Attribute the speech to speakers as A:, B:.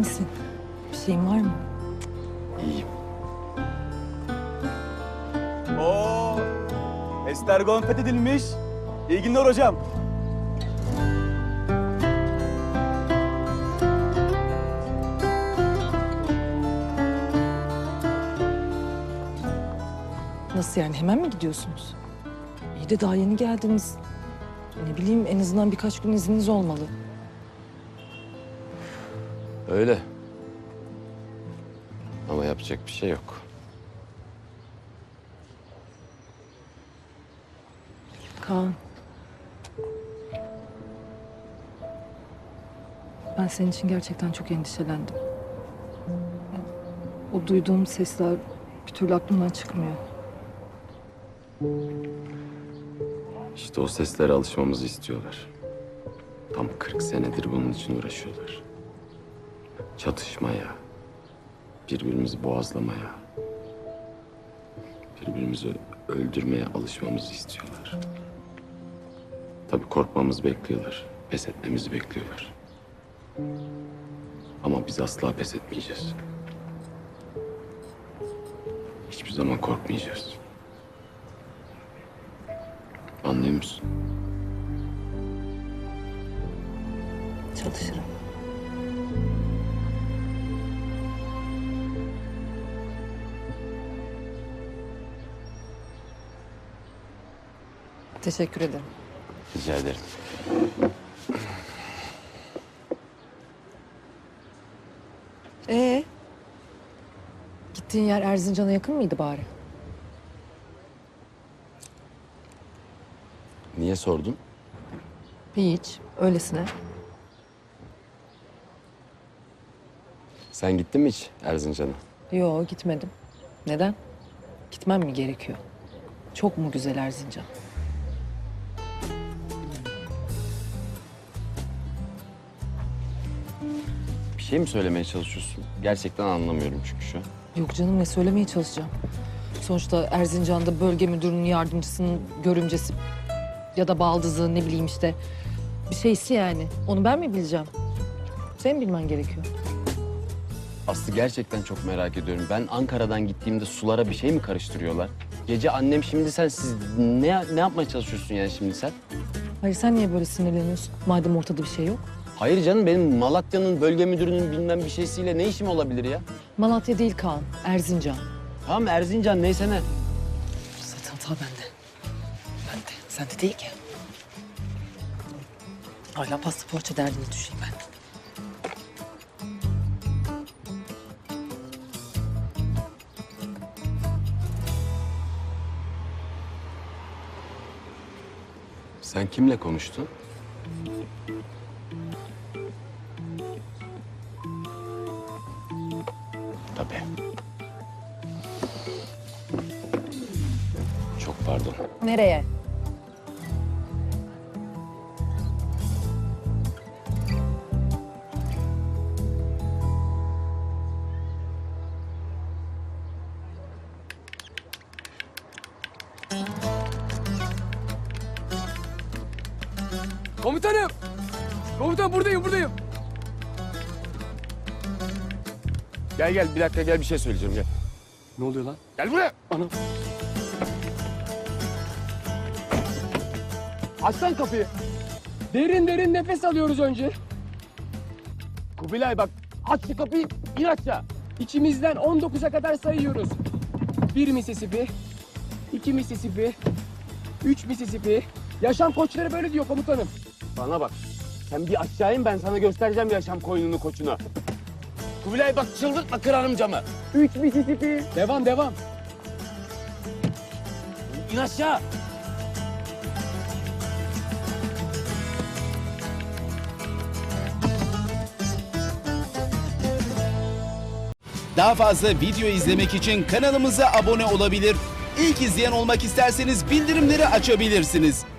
A: misin? Bir şeyin var mı?
B: İyiyim.
C: Oo, Estergon fethedilmiş. İyi günler hocam.
A: Nasıl yani, hemen mi gidiyorsunuz? İyi de daha yeni geldiniz. Ne bileyim, en azından birkaç gün izniniz olmalı.
B: Öyle. Ama yapacak bir şey yok.
A: Kaan. Ben senin için gerçekten çok endişelendim. O duyduğum sesler bir türlü aklımdan çıkmıyor.
B: İşte o seslere alışmamızı istiyorlar. Tam 40 senedir bunun için uğraşıyorlar. Çatışmaya, birbirimizi boğazlamaya, birbirimizi öldürmeye alışmamızı istiyorlar. Tabii korkmamızı bekliyorlar, pes etmemizi bekliyorlar. Ama biz asla pes etmeyeceğiz. Hiçbir zaman korkmayacağız. Anlıyor musun?
A: Çalışırım. Teşekkür ederim.
B: Rica ederim.
A: Gittiğin yer Erzincan'a yakın mıydı bari?
B: Niye sordun?
A: Hiç, öylesine.
B: Sen gittin mi hiç Erzincan'a?
A: Yo, gitmedim. Neden? Gitmem mi gerekiyor? Çok mu güzel Erzincan?
B: Bir şey mi söylemeye çalışıyorsun? Gerçekten anlamıyorum çünkü şu an.
A: Yok canım, ne söylemeye çalışacağım? Sonuçta Erzincan'da bölge müdürünün yardımcısının görümcesi ya da baldızı, ne bileyim işte bir şeysi yani. Onu ben mi bileceğim? Senin bilmen gerekiyor.
B: Aslı gerçekten çok merak ediyorum. Ben Ankara'dan gittiğimde sulara bir şey mi karıştırıyorlar? Gece annem şimdi siz ne yapmaya çalışıyorsun yani şimdi sen?
A: Hayır, sen niye böyle sinirleniyorsun? Madem ortada bir şey yok.
B: Hayır canım benim Malatya'nın bölge müdürünün bilmem bir şeysiyle ne işim olabilir ya?
A: Malatya değil Kaan, Erzincan.
B: Tamam Erzincan neyse ne.
A: Zaten hata bende. Bende, sende değil ki. Hala pasta poğaça derdine düşeyim ben.
B: Sen kimle konuştun? Tabii. Çok pardon.
A: Nereye?
D: Komutanım! Komutan buradayım.
B: Gel bir dakika gel bir şey söyleyeceğim gel.
D: Ne oluyor lan?
B: Gel buraya.
D: Anam. Aç lan kapıyı. Derin nefes alıyoruz önce. Kubilay bak, aç şu kapıyı, in aşağı. İçimizden 19'a kadar sayıyoruz. 1 Mississippi, 2 Mississippi, 3 Mississippi. Yaşam koçları böyle diyor komutanım.
B: Bana bak. Sen bir aşağı in ben sana göstereceğim yaşam koyununu koçunu. Kubilay bak çıldırtma kırarım camı.
D: 3 Mississippi. Devam.
B: İn aşağı.
E: Daha fazla video izlemek için kanalımıza abone olabilir. İlk izleyen olmak isterseniz bildirimleri açabilirsiniz.